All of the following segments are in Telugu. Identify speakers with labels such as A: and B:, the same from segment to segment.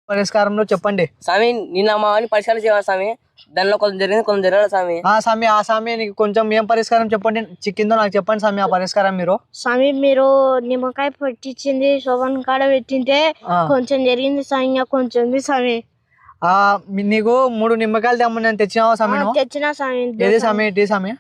A: పరిష్కారంలో చెప్పండి
B: స్వామి. నిన్న మా వాడిని పరిష్కారం చేయాలి స్వామి. దానిలో కొంచెం జరిగింది, కొంచెం జరగదు స్వామి.
A: స్వామి ఆ స్వామి నీకు కొంచెం ఏం పరిష్కారం చెప్పండి చిక్కిందో నాకు చెప్పండి స్వామి ఆ పరిష్కారం మీరు.
C: స్వామి మీరు నిమ్మకాయ పెట్టించింది శోభన్ కాడ పెట్టింటే కొంచెం జరిగింది స్వామి, ఇంకా కొంచెం ఉంది స్వామి.
A: నీకు 3 నిమ్మకాయలు తెమ్మని నేను తెచ్చినావా స్వామి నువ్వు?
C: తెచ్చినా స్వామి.
A: ఏది స్వామి టీ స్వామి?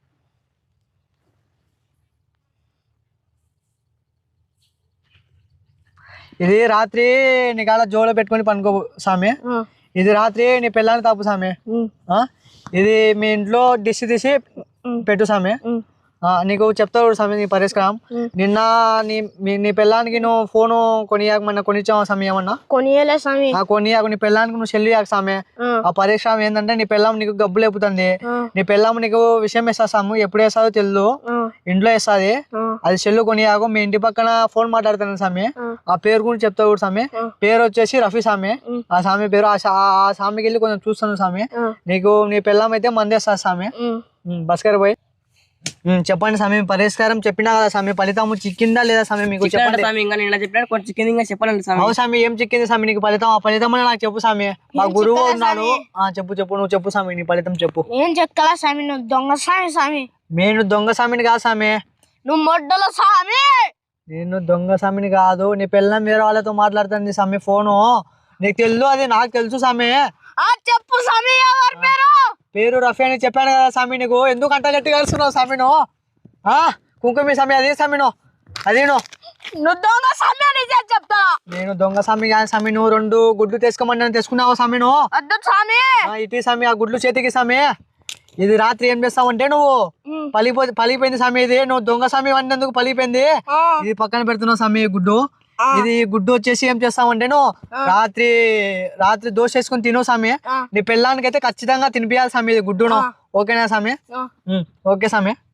A: ఇది రాత్రి నీ కాడ జోలో పెట్టుకొని పనుకో స్వామి. ఇది రాత్రి నీ పిల్లని తాపు స్వామి. ఇది మీ ఇంట్లో డిష్ తీసి పెట్టు స్వామి. నీకు చెప్తావు స్వామి నీ పరిష్కారం. నిన్న నీ పిల్లానికి నువ్వు ఫోను కొనియాకమన్నా కొనిచ్చావా స్వామి? ఏమన్నా
C: కొనియలే స్వామి.
A: కొనియాకు నీ పిల్లానికి నువ్వు చెల్లి యాక స్వామి. ఆ పరిష్కారం ఏంటంటే నీ పిల్లం నీకు గబ్బు లేపుతుంది. నీ పిల్లం నీకు విషయం వేస్తా స్వామి. ఎప్పుడు వేస్తాదో తెలియదు, ఇంట్లో వేస్తుంది. అది చెల్లు కొనియాకు. మీ ఇంటి పక్కన ఫోన్ మాట్లాడుతాను స్వామి. ఆ పేరు గురించి చెప్తావు స్వామి. పేరు వచ్చేసి రఫీ స్వామి. ఆ స్వామి పేరు. ఆ స్వామికి వెళ్ళి కొంచెం చూస్తాను స్వామి. నీకు నీ పిల్లం అయితే మందేస్తా స్వామి. బస్కర్ పోయి చెప్పండి స్వామి పరిష్కారం. చెప్పినా కదా స్వామి, ఫలితం చిక్కిందా లేదా స్వామి మీకు చెప్పండి. అవు స్వామి ఏం చిక్కింది స్వామి నీకు ఫలితం? ఆ ఫలితం నాకు చెప్పు స్వామి. మా గురువు ఉన్నాడు. చెప్పు నువ్వు చెప్పు స్వామి నీ ఫలితం చెప్పు.
C: ఏం చెక్కలా స్వామి, నువ్వు దొంగ స్వామి. స్వామి
A: నేను దొంగ స్వామిని కాదు స్వామి.
C: నువ్వు మొడ్డల స్వామి.
A: నేను దొంగ స్వామిని కాదు. నీ పిల్లం వేరే వాళ్ళతో మాట్లాడుతుంది స్వామి ఫోను. నీకు తెలుసు, అది నాకు తెలుసు స్వామి.
C: చెప్పు స్వామి ఎవరి పేరు?
A: పేరు రఫీ అని చెప్పాను కదా స్వామి. నీకు ఎందుకు అంట గట్టి కలుస్తున్నావు స్వామి నువ్వు? కుంకుమి స్వామి అదే స్వామి నువ్వు. అది
C: నువ్వు దొంగ స్వామి అని చెప్తా.
A: నేను దొంగ స్వామి కాదు స్వామి. నువ్వు 2 గుడ్లు తెచ్చుకోమని తెచ్చుకున్నావు స్వామి నువ్వు.
C: వద్దు స్వామి.
A: ఇటీ స్వామి ఆ గుడ్లు చేతికి స్వామి. ఇది రాత్రి ఏం చేస్తావంటే నువ్వు పలిపోయింది స్వామి. ఇది నువ్వు దొంగ స్వామి వండేందుకు పలిపోయింది. ఇది పక్కన పెడుతున్నావు స్వామి గుడ్డు. ఇది గుడ్డు వచ్చేసి ఏం చేస్తామంటే నువ్వు రాత్రి దోశ వేసుకుని తిను స్వామి. నీ పిల్లానికి అయితే ఖచ్చితంగా తినిపించాలి స్వామి ఇది గుడ్డును. ఓకేనా స్వామి? ఓకే స్వామి.